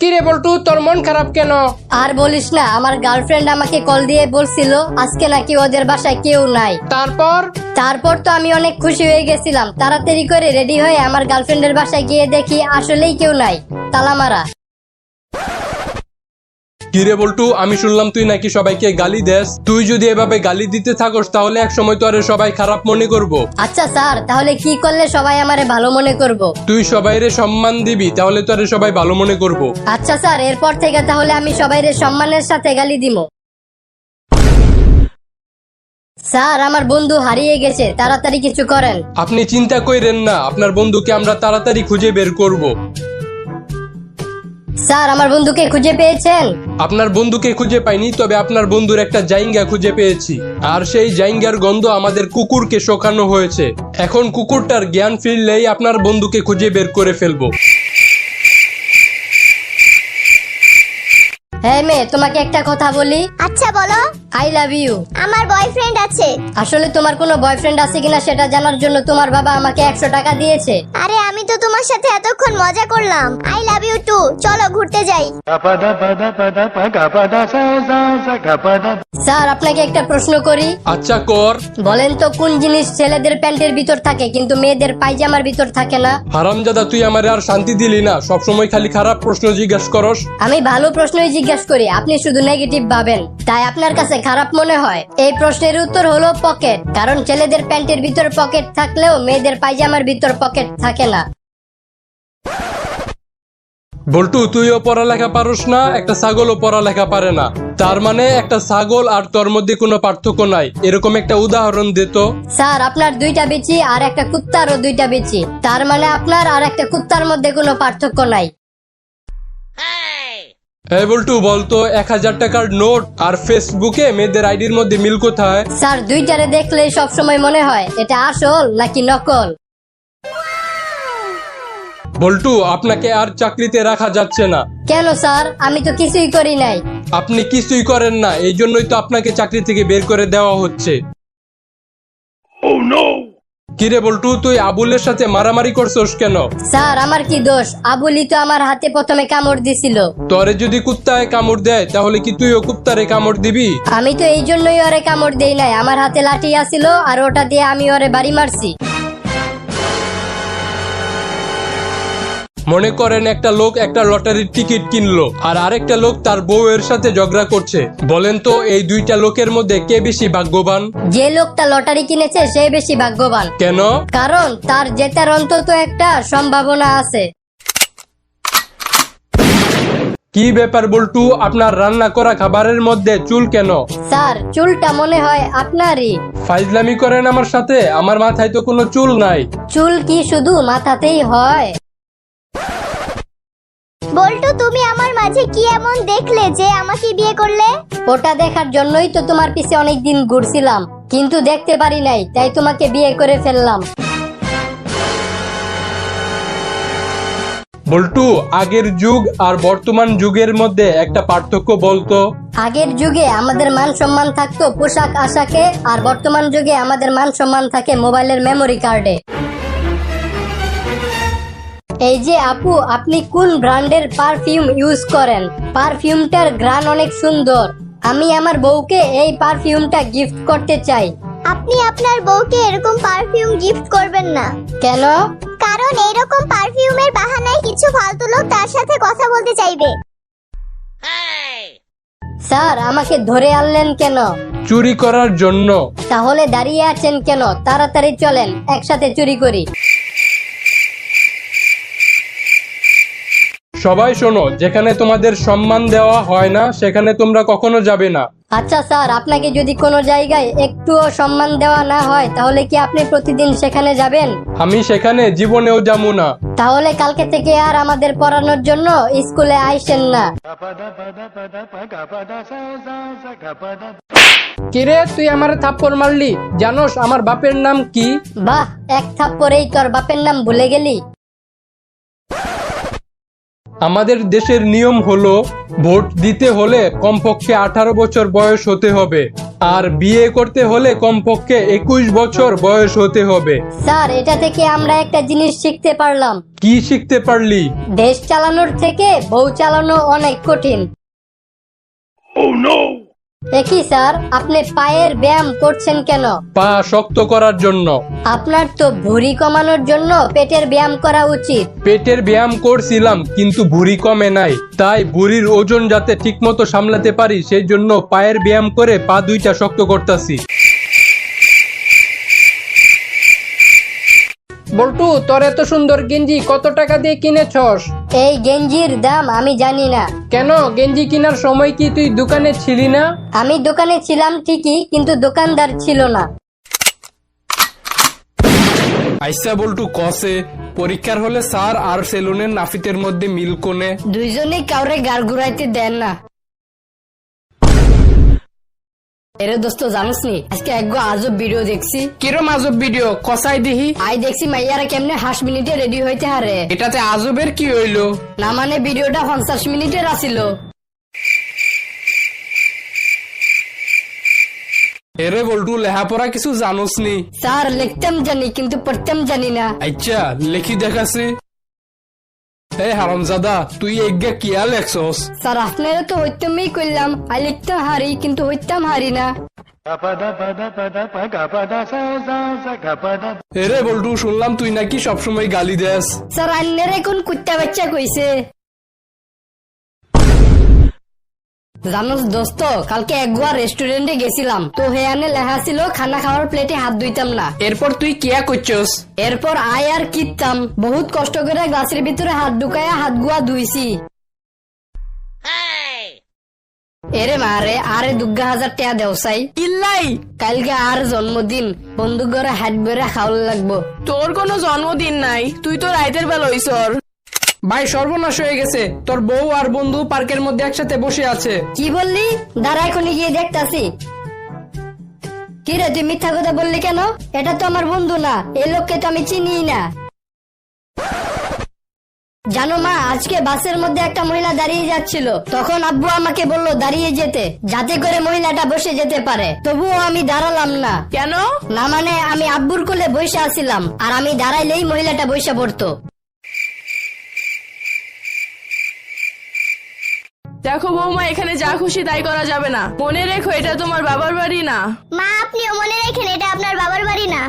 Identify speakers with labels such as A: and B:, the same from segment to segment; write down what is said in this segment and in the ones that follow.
A: কিরে বল্টু, তোর মন খারাপ কেন?
B: আর বলিস না, আমার গার্লফ্রেন্ড আমাকে কল দিয়ে বলছিল আজকে নাকি ওদের বাসায় কেউ নাই। তারপর তো আমি অনেক খুশি হয়ে গেছিলাম। তাড়াতাড়ি করে রেডি হয়ে আমার গার্লফ্রেন্ডের বাসায় গিয়ে দেখি আসলেই কেউ নাই, তালা মারা।
C: কিরে বল্টু, আমি শুনলাম তুই নাকি সবাইকে গালি দেস। তুই যদি এভাবে গালি দিতে থাকস তাহলে এক সময় তো আরে সবাই খারাপ মনে করব।
B: আচ্ছা স্যার, তাহলে কি করলে সবাই আমারে ভালো মনে করব?
C: তুই সবাইরে সম্মান দিবি, তাহলে তো আরে সবাই ভালো মনে করব।
B: আচ্ছা স্যার, এরপর থেকে তাহলে আমি সবাইরে সম্মানের সাথে গালি দিব। স্যার, আমার বন্ধু হারিয়ে গেছে, তাড়াতাড়ি কিছু করেন।
C: আপনি চিন্তা কইরেন না, আপনার বন্ধুকে আমরা তাড়াতাড়ি খুঁজে বের করব।
B: স্যার, আমার বন্ধুকে খুঁজে পেয়েছেন?
C: আপনার বন্ধুকে খুঁজে পাইনি, তবে আপনার বন্ধুর একটা জাইঙ্গা খুঁজে পেয়েছি। আর সেই জাইঙ্গার গন্ধ আমাদের কুকুরকে শোকানো হয়েছে। এখন কুকুরটার জ্ঞান ফিরলেই আপনার বন্ধুকে খুঁজে বের করে ফেলবো।
B: হ্যাঁ মেয়ে, তোমাকে একটা কথা বলি।
D: আচ্ছা বলো।
B: I love you.
D: আমার বয়ফ্রেন্ড আছে।
B: আসলে তোমার কোনো বয়ফ্রেন্ড আছে কিনা সেটা জানার জন্য তোমার বাবা আমাকে 100 টাকা দিয়েছে।
D: আরে আমি তো তোমার সাথে এতক্ষণ মজা করলাম। I love you too. চলো ঘুরতে যাই।
B: স্যার, আপনাকে একটা প্রশ্ন করি।
C: আচ্ছা কর।
B: বলেন তো কোন জিনিস ছেলেদের প্যান্টের ভিতর থাকে কিন্তু মেয়েদের পায়জামার ভিতর থাকে না?
C: হারামজাদা, তুই আমারে আর শান্তি দিলি না। সবসময় খালি খারাপ প্রশ্ন জিজ্ঞাসা করস।
B: আমি ভালো প্রশ্নই জিজ্ঞাসা করি, আপনি শুধু নেগেটিভ ভাবেন, তাই আপনার কাছে খারাপ মনে হয়। এই প্রশ্নের উত্তর হলো পকেট। কারণ ছেলেদের প্যান্টের ভিতর পকেট থাকলেও মেয়েদের পায়জামার ভিতর পকেট থাকে না।
C: বল্টু, তুইও পড়ালেখা পারস না, একটা ছাগলও পড়ালেখা পারে না। তার মানে একটা ছাগল আর তোর মধ্যে কোনো পার্থক্য নাই, এরকম একটা উদাহরণ দে তো।
B: স্যার, আপনার 2টা বিচি আর একটা কুত্তারও 2টা বিচি, তার মানে আপনার আর একটা কুত্তার মধ্যে কোনো পার্থক্য নাই।
C: এই বল্টু, বলতো 1000 টাকার নোট আর ফেসবুকে মেয়েদের আইডির মধ্যে মিল কোথায়?
B: স্যার, 2টারে দেখলেই সবসময় মনে হয় এটা আসল নাকি নকল।
C: বল্টু, আপনাকে আর চাকরিতে রাখা যাচ্ছে না।
B: কেন স্যার? আমি তো কিছুই করি নাই।
C: আপনি কিছুই করেন না, এই জন্যই তো আপনাকে চাকরি থেকে বের করে দেওয়া হচ্ছে। কিরে বল্টু, তুই আবুলের সাথে মারামারি করছস কেন?
B: স্যার, আমার কি দোষ? আবুলি তো আমার হাতে প্রথমে কামড় দিছিল।
C: তোরে যদি কুত্তায় কামড় দেয় তাহলে কি তুইও কুত্তারে কামড় দিবি?
B: আমি তো এই জন্যই ওরে কামড় দেই নাই, আমার হাতে লাঠি আছিল আর ওটা দিয়ে আমি ওরে বাড়ি মারছি।
C: মনে করেন একটা লোক একটা লটারির টিকিট কিনলো আর আরেকটা লোক তার বউয়ের সাথে ঝগড়া করছে। বলেন তো এই দুইটা লোকের মধ্যে কে বেশি ভাগ্যবান?
B: যে লোকটা লটারি কিনেছে সে বেশি ভাগ্যবান।
C: কেন?
B: কারণ তার জেতার অন্তত একটা সম্ভাবনা আছে।
C: কি ব্যাপার বল্টু, আপনার রান্না করা খাবারের মধ্যে চুল কেন?
B: স্যার, চুলটা মনে হয় আপনারই।
C: ফাইজলামি করেন আমার সাথে? আমার মাথায় তো কোনো চুল নাই।
B: চুল কি শুধু মাথাতেই হয়?
D: বল্টু, তুমি আমার মাঝে কি এমন দেখলে যে আমাকে বিয়ে করলে?
B: ওটা দেখার জন্যই তো তোমার পিছে অনেকদিন ঘুরছিলাম, কিন্তু দেখতে পারি নাই, তাই তোমাকে বিয়ে করে ফেললাম।
C: বল্টু, আগের যুগ আর বর্তমান যুগের মধ্যে একটা পার্থক্য বলতো।
B: আগের যুগে আমাদের মান সম্মান থাকতো পোশাক আশাকে, আর বর্তমান যুগে আমাদের মান সম্মান থাকে মোবাইলের মেমোরি কার্ডে। এই যে আপু, আপনি কোন ব্র্যান্ডের পারফিউম ইউজ করেন? পারফিউমটার ঘ্রাণ অনেক সুন্দর। আমি আমার বউকে এই পারফিউমটা গিফট করতে চাই।
D: আপনি আপনার বউকে এরকম পারফিউম গিফট করবেন না।
B: কেন?
D: কারণ এইরকম পারফিউমের বাহানায় কিছু ফালতু লোক তার সাথে কথা বলতে চাইবে।
B: স্যার, আমাকে ধরে আনলেন কেন?
C: চুরি করার জন্য।
B: তাহলে দাঁড়িয়ে আছেন কেন? তাড়াতাড়ি চলেন, একসাথে চুরি করি।
C: সবাই শোনো, যেখানে তোমাদের সম্মান দেওয়া হয় না সেখানে তোমরা কখনো যাবে না।
B: আচ্ছা স্যার, আপনাকে যদি কোনো জায়গায় একটুও সম্মান দেওয়া না হয় তাহলে কি আপনি প্রতিদিন সেখানে যাবেন?
C: আমি সেখানে জীবনেও যাবো না।
B: তাহলে কালকে থেকে আর আমাদের পড়ানোর জন্য স্কুলে আইসেন না।
A: কিরে, তুই আমারে থাপ্পড় মারলি? জানোস আমার বাপের নাম কি?
B: বাহ, এক থাপ্পড়েই তোর বাপের নাম ভুলে গেলি?
C: আমাদের দেশের নিয়ম হলো ভোট দিতে হলে কমপক্ষে 18 বছর বয়স হতে হবে, আর বিয়ে করতে হলে কমপক্ষে 21 বছর বয়স হতে হবে।
B: স্যার এটা থেকে আমরা একটা জিনিস শিখতে পারলাম।
C: কি শিখতে পারলি?
B: দেশ চালানোর থেকে বউ চালানো অনেক কঠিন। একই স্যার, আপনি পায়ের ব্যায়াম করছেন কেন?
C: পা শক্ত করার জন্য।
B: আপনার তো ভুঁড়ি কমানোর জন্য পেটের ব্যায়াম করা উচিত।
C: পেটের ব্যায়াম করছিলাম কিন্তু ভুঁড়ি কমে নাই, তাই ভুঁড়ির ওজন যাতে ঠিকমতো সামলাতে পারি সেই জন্য পায়ের ব্যায়াম করে পা দুইটা শক্ত করতেছি।
A: বল্টু, তোর এত সুন্দর গেঞ্জি কত টাকা দিয়ে কিনেছস?
B: এই গেঞ্জির দাম আমি জানি না।
A: কেন, গেঞ্জি কেনার সময় কি তুই দোকানে ছিলি না?
B: আমি দোকানে ছিলাম ঠিকই, কিন্তু দোকানদার ছিল না।
C: আইসা বল্টু কসে পরীক্ষার হলে স্যার আর সেলুনের নাফিতের মধ্যে মিল কোনে?
B: দুইজনেই কাউরে গাড় ঘুরাইতে দেন না। এরে দোস্ত, জানোস নি আজকে একগো আজব ভিডিও দেখছি।
A: কিরম আজব ভিডিও? কসাই দিহি।
B: আই দেখছি মাইয়ারা কেমনে 8 মিনিটে রেডি হইতে হারে।
A: এটাতে আজবের কি হইলো?
B: না মানে ভিডিওটা 50 মিনিটের আছিল।
C: এরে বল্টু, লেহাপড়া কিছু জানোস নি?
B: স্যার লিখতাম জানি কিন্তু পড়তাম জানি না।
C: আচ্ছা লেখি দেখাছি। এই হারামজাদা, তুই এগা কিয়া লেখছস?
B: স্যার আপনারা তো হইতামই করলাম, আই লিখতাম হারি কিন্তু হইতাম হারি না।
C: এরে বল্টু, শুনলাম তুই নাকি সবসময় গালি দেস।
B: স্যার আন্নের এখন কুত্তা বাচ্চা কইছে। জানোস দোস্ত, কালকে একবার রেস্টুরেন্টে গেছিলাম, তো হেয়ানে লেখা ছিল খানা খাওয়ার প্লেটে হাত ধুইতাম না।
A: এরপর তুই কিয়া করছস?
B: এরপর আয় আর কিতাম, বহুত কষ্ট করে গ্লাসের ভিতরে হাত ঢুকায়া হাত গুয়া ধুইছি। এরে মারে আরে 2000 টাকা দেওসাই
E: ইল্লাই,
B: কালকে আর জন্মদিন, বন্ধু ঘরে হাত বেড়ে খাওয়া লাগবো।
E: তোর কোনো জন্মদিন নাই, তুই তো রাইতের বেলা হইছর।
A: ভাই সর্বনাশ হয়ে গেছে, তোর বউ আর বন্ধু পার্কের মধ্যে একসাথে বসে আছে।
B: কি বললি? দাঁড়া এখনই গিয়ে দেখতাছি। কি রে, তুই মিথ্যা কথা বললি কেন? এটা তো আমার বন্ধু না, এই লোককে তো আমি চিনি না। জানো মা, আজকে বাসের মধ্যে একটা মহিলা দাঁড়িয়ে যাচ্ছিল, তখন আব্বু আমাকে বললো দাঁড়িয়ে যেতে, যাতে করে মহিলাটা বসে যেতে পারে। তবুও আমি দাঁড়ালাম না।
E: কেন?
B: না মানে আমি আব্বুর কোলে বসে আছিলাম, আর আমি দাঁড়াইলেই মহিলাটা বসে পড়তো।
E: দেখো বৌমা, এখানে যা খুশি তাই করা যাবে না, মনে রেখো এটা তোমার বাবার বাড়ি না।
D: মা, আপনিও মনে রাখেন এটা আপনার বাবার বাড়ি না।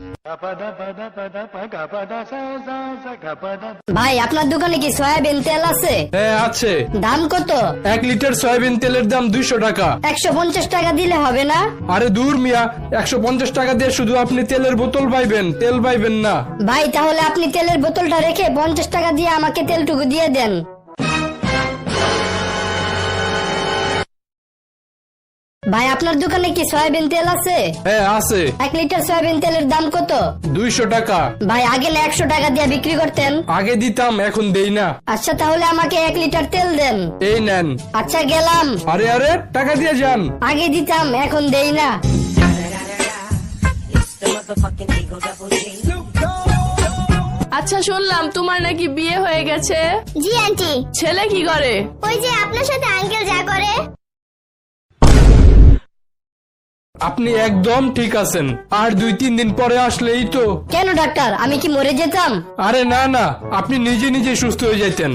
B: ভাই আপনার দোকানে কি সয়াবিন তেল আছে?
C: হ্যাঁ আছে।
B: দাম কত?
C: 1 লিটার সয়াবিন তেলের দাম 200 টাকা।
B: 150 টাকা দিলে হবে না?
C: আরে দূর মিয়া, 150 টাকা দিয়ে শুধু আপনি তেলের বোতল পাইবেন, তেল পাইবেন না।
B: ভাই তাহলে আপনি তেলের বোতলটা রেখে 50 টাকা দিয়ে আমাকে তেলটুকু দিয়ে দেন। ভাই আপনার দোকানে কি সয়াবিন তেল আছে?
C: হ্যাঁ আছে।
B: 1 লিটার সয়াবিন তেলের দাম কত?
C: 200 টাকা।
B: ভাই আগে না 100 টাকা দিয়ে বিক্রি করতেন।
C: আগে দিতাম, এখন দেই না।
B: আচ্ছা তাহলে আমাকে 1 লিটার তেল দেন।
C: এই নেন।
B: আচ্ছা গেলাম।
C: আরে আরে, টাকা দিয়ে যান।
B: আগে দিতাম, এখন দেই না।
E: আচ্ছা শুনলাম তোমার নাকি বিয়ে হয়ে গেছে।
D: জি আন্টি।
E: ছেলে কি করে?
D: ওই যে আপনার সাথে আঙ্কেল যা করে।
C: আপনি একদম ঠিক আছেন, আর 2-3 দিন পরে আসলেই তো।
B: কেন ডাক্তার, আমি কি মরে যেতাম?
C: আরে না না, আপনি নিজে নিজে সুস্থ হয়ে যেতেন।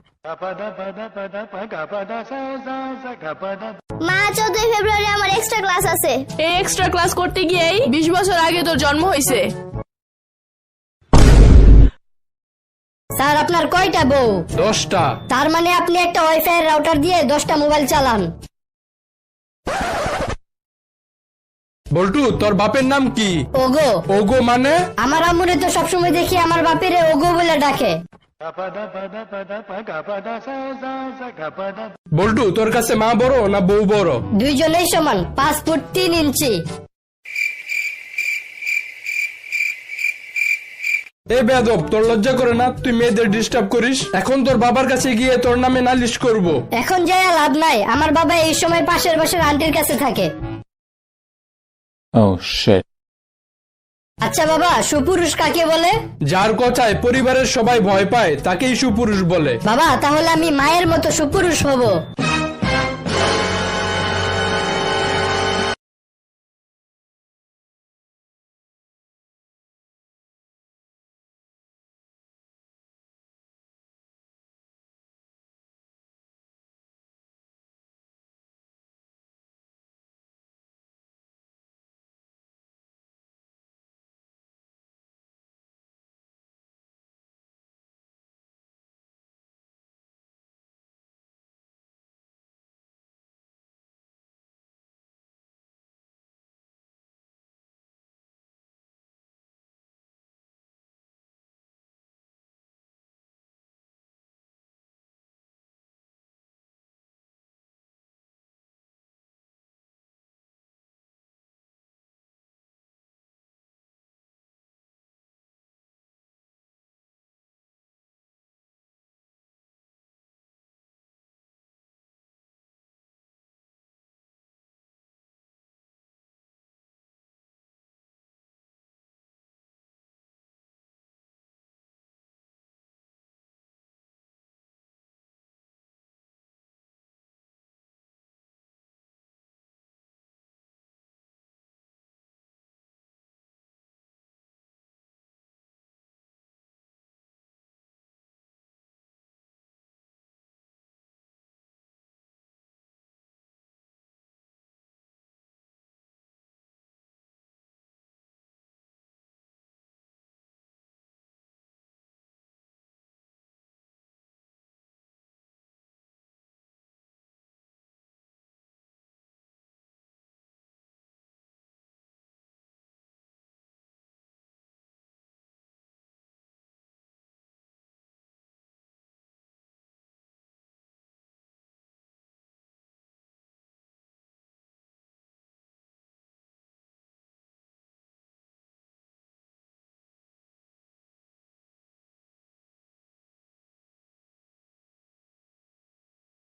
D: মা, 14 ফেব্রুয়ারি আমার এক্সট্রা ক্লাস আছে।
E: এই এক্সট্রা ক্লাস করতে গিয়েই 20 বছর আগে তোর জন্ম হয়েছে।
B: স্যার আপনার কয়টা বউ?
C: 10টা।
B: তার মানে আপনি একটা ওয়াইফাই রাউটার দিয়ে 10টা মোবাইল চালান।
C: বল্টু, তোর বাপের নাম কি?
B: ওগো।
C: ওগো মানে?
B: আমার আম্মুরে তো সবসময় দেখি আমার বাপেরে ওগো বলে ডাকে।
C: বল্টু, তোর কাছে মা বড় না বউ বড়?
B: দুইজনেই সমান, 5 ফুট 3 ইঞ্চি।
C: এ বেয়াদব, তোর লজ্জা করে না? তুই মেয়েদের ডিস্টার্ব করিস। এখন তোর বাবার কাছে গিয়ে তোর নামে নালিশ করব।
B: এখন যাই লাভ নাই, আমার বাবা এই সময় পাশের বাসার আন্টির কাছে থাকে।
F: Oh shit.
B: আচ্ছা বাবা, সুপুরুষ কাকে বলে?
C: যার কথায় পরিবারের সবাই ভয় পায় তাকেই সুপুরুষ বলে।
B: বাবা, তাহলে আমি মায়ের মতো সুপুরুষ হব।